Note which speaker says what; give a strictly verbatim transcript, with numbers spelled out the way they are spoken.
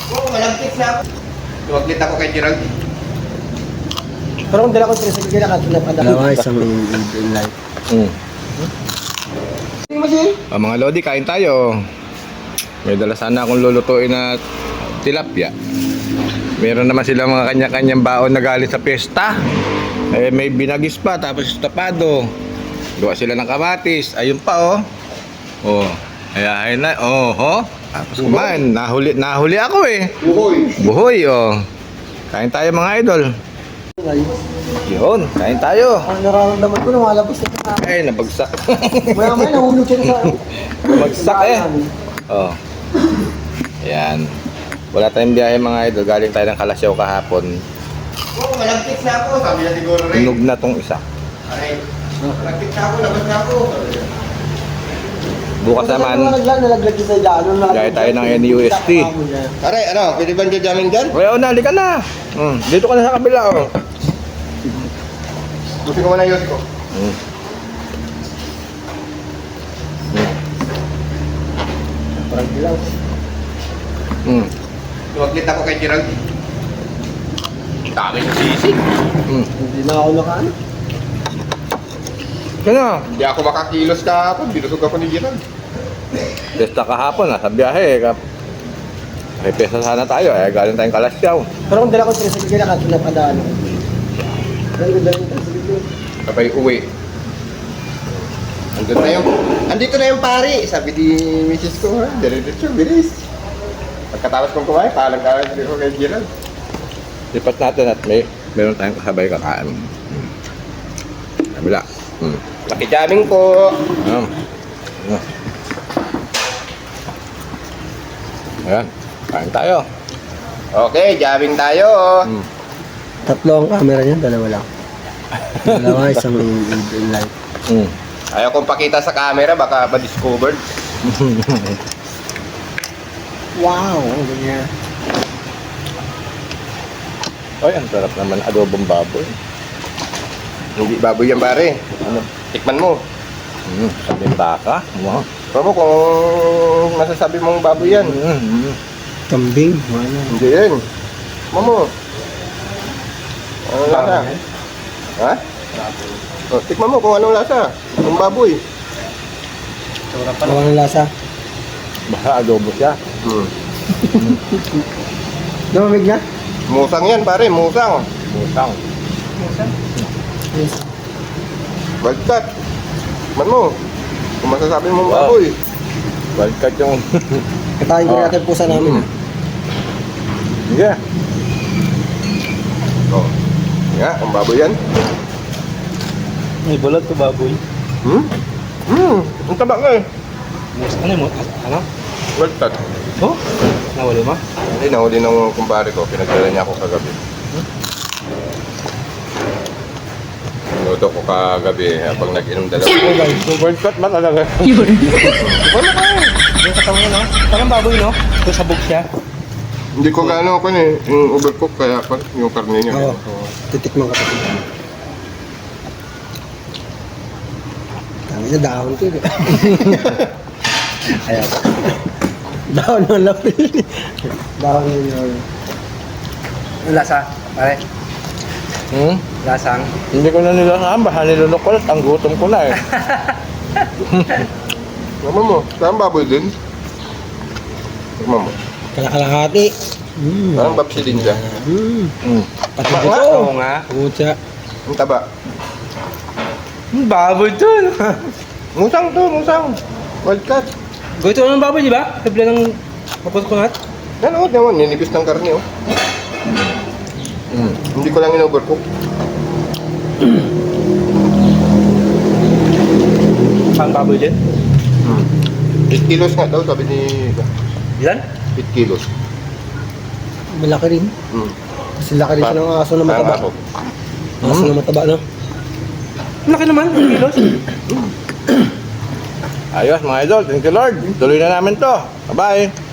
Speaker 1: Oo, malagkit na ako. Tuwaglit ako kay Gerald.
Speaker 2: Pero kung dala ko tres, sige na ka na
Speaker 3: Dalawa, isang in life.
Speaker 4: Mm.
Speaker 2: Tingnan mo siya.
Speaker 4: Ah, mga Lodi, kain tayo. May dala sana akong lulutuin na tilapia. Meron naman sila mga kanya-kanyang baon na galing sa piyesta. Eh, may binagis pa, tapos estopado. Gawa sila ng kamatis. Ayun pa, oh. Oh, kaya ayun na. Oh, oh. Tapos kumain. Nahuli, nahuli ako eh.
Speaker 1: Buhoy.
Speaker 4: Buhoy, oh. Kain tayo mga idol. Yun, kain tayo.
Speaker 2: Ang nararamdaman ko, lumalabas na sa
Speaker 4: Ay, nabagsak.
Speaker 2: Maya maya, nahulog siya sa...
Speaker 4: Nabagsak eh. Oh. Ayan. Wala tayong biyahe mga idol. Galing tayo ng Kalasyaw kahapon.
Speaker 1: Oo, malagkit na ako. Sabi niya siguro rin.
Speaker 4: Tunog na tong isa.
Speaker 1: Aray, malagkit na ako, labas na ako.
Speaker 4: Bukas naman,
Speaker 2: Nalaglag, nalaglag siya sa ilalo.
Speaker 4: gaya tayo ng N U S T.
Speaker 1: Aray, ano, pwede ba dyan jamming dyan?
Speaker 4: Kaya oh, nali ka na. Hmm. Dito ka na sa kabila. Oh.
Speaker 1: Buti ko muna yung yosi ko.
Speaker 4: Hmm.
Speaker 2: Parang bilang.
Speaker 4: Hmm.
Speaker 1: Tuwaglit ako kay Gerald. Dami ng sisig.
Speaker 4: Hmm.
Speaker 2: Hindi na ako nakaano.
Speaker 4: Kaya
Speaker 1: Hindi ako makakilos kahapon. Binusog ako ni Gerald.
Speaker 4: Pesta kahapon, nasa biyahe. Kap may pesta sana tayo. Eh, galing tayong Kalasyaw.
Speaker 2: Pero kung dala ko tres, sige na ka na padaan. Pero kung dala ko tres, sige.
Speaker 1: Sabay uwi. Andun na yung, andito na yung pari. Sabi ni misis ko, ha? Diretso, bilis. Pagkatapos kong kumain, paalang ka ko kay Gerald.
Speaker 4: Lipat natin at may meron tayong kasabay kakain. Hmm. Kabila. Hmm.
Speaker 1: Pakijamming po.
Speaker 4: Ayan. Ayan. Ayan. Kain tayo.
Speaker 1: Okay, jamming tayo.
Speaker 4: Hmm.
Speaker 3: Tatlo ang camera niya, dalawa lang. Dalawa, isang in, in life.
Speaker 4: Hmm.
Speaker 1: Ayaw kong pakita sa camera, baka ma-discovered.
Speaker 2: Wow, ang ganyan.
Speaker 4: Ay, ang sarap naman adobong baboy.
Speaker 1: Hindi baboy yan pare.
Speaker 4: Ano?
Speaker 1: Tikman mo.
Speaker 4: Hmm. Sabing baka. Wow.
Speaker 1: Probo kung masasabi mong baboy yan.
Speaker 4: Hmm.
Speaker 3: Kambing. Wala.
Speaker 1: Hindi yan. Mamo. Ano lasa? Ha? Oh, tikman mo kung anong lasa. Ang baboy.
Speaker 3: Wala ng lasa.
Speaker 4: Baka adobo siya.
Speaker 1: Hmm.
Speaker 2: Lumamig na?
Speaker 1: Musang yan pare, musang.
Speaker 4: Musang.
Speaker 3: Yes.
Speaker 1: Bagkat. Tikman mo. Kung masasabi mong
Speaker 4: Wow.
Speaker 1: baboy.
Speaker 4: Wildcat yung...
Speaker 2: Katayin ko
Speaker 4: Oh.
Speaker 2: natin pusa namin.
Speaker 4: Hmm. Sige.
Speaker 1: Oh. Nga, ang baboy yan.
Speaker 3: May bulat to baboy.
Speaker 1: Hmm? Hmm, ang taba nga eh.
Speaker 3: Ano mo? Ano?
Speaker 1: Bagkat.
Speaker 3: Oh? Nawali mo?
Speaker 1: Hindi, nahuli ng kumpare ko. Pinagdala niya ako kagabi. Luto ko kagabi habang nag-inom dalawa.
Speaker 4: Wildcat ba talaga?
Speaker 3: Wala ka eh. Yung katawan niya, no? Parang baboy, no? Ito sabog siya.
Speaker 1: Hindi ko gaano ako eh, yung overcook kaya pa yung karne niya.
Speaker 2: Oo. Titikman ka pa. Tangin na dahon ko eh.
Speaker 3: Ayan.
Speaker 2: Dahon ng lapil. Dahon yun.
Speaker 3: Yung lasa, pare.
Speaker 4: Hmm?
Speaker 3: Lasang.
Speaker 4: Hindi ko na nilasaan. Baka nilunok ko lang. Ang gutom ko na eh.
Speaker 1: Naman mo, saan baboy din? Naman mo.
Speaker 2: Kalakalahati. Mm.
Speaker 1: Parang babsi din siya.
Speaker 2: Mm.
Speaker 4: Hmm.
Speaker 2: Pati
Speaker 1: Tama
Speaker 2: dito.
Speaker 1: nga.
Speaker 3: Oo nga.
Speaker 2: Pucha.
Speaker 1: Ang taba.
Speaker 3: Hmm, baboy dun.
Speaker 1: Musang to, musang. Wildcat.
Speaker 3: Gawito naman baboy, di ba? Sabila ng mapusunat.
Speaker 1: Yan o, naman, ninipis ng karne oh.
Speaker 4: Hmm.
Speaker 1: Hindi ko lang in-overcook.
Speaker 3: Saan baboy din?
Speaker 1: Hmm. eight kilos nga daw, sabi ni...
Speaker 3: Ilan?
Speaker 1: eight kilos.
Speaker 2: Malaki rin.
Speaker 1: Hmm.
Speaker 2: Kasi laki rin siya ng aso na
Speaker 1: Parang
Speaker 2: mataba.
Speaker 1: ako.
Speaker 2: Aso na mataba, no?
Speaker 3: Laki naman, kilos.
Speaker 4: Ayos mga idol. Thank you Lord. Tuloy na namin to. Bye-bye.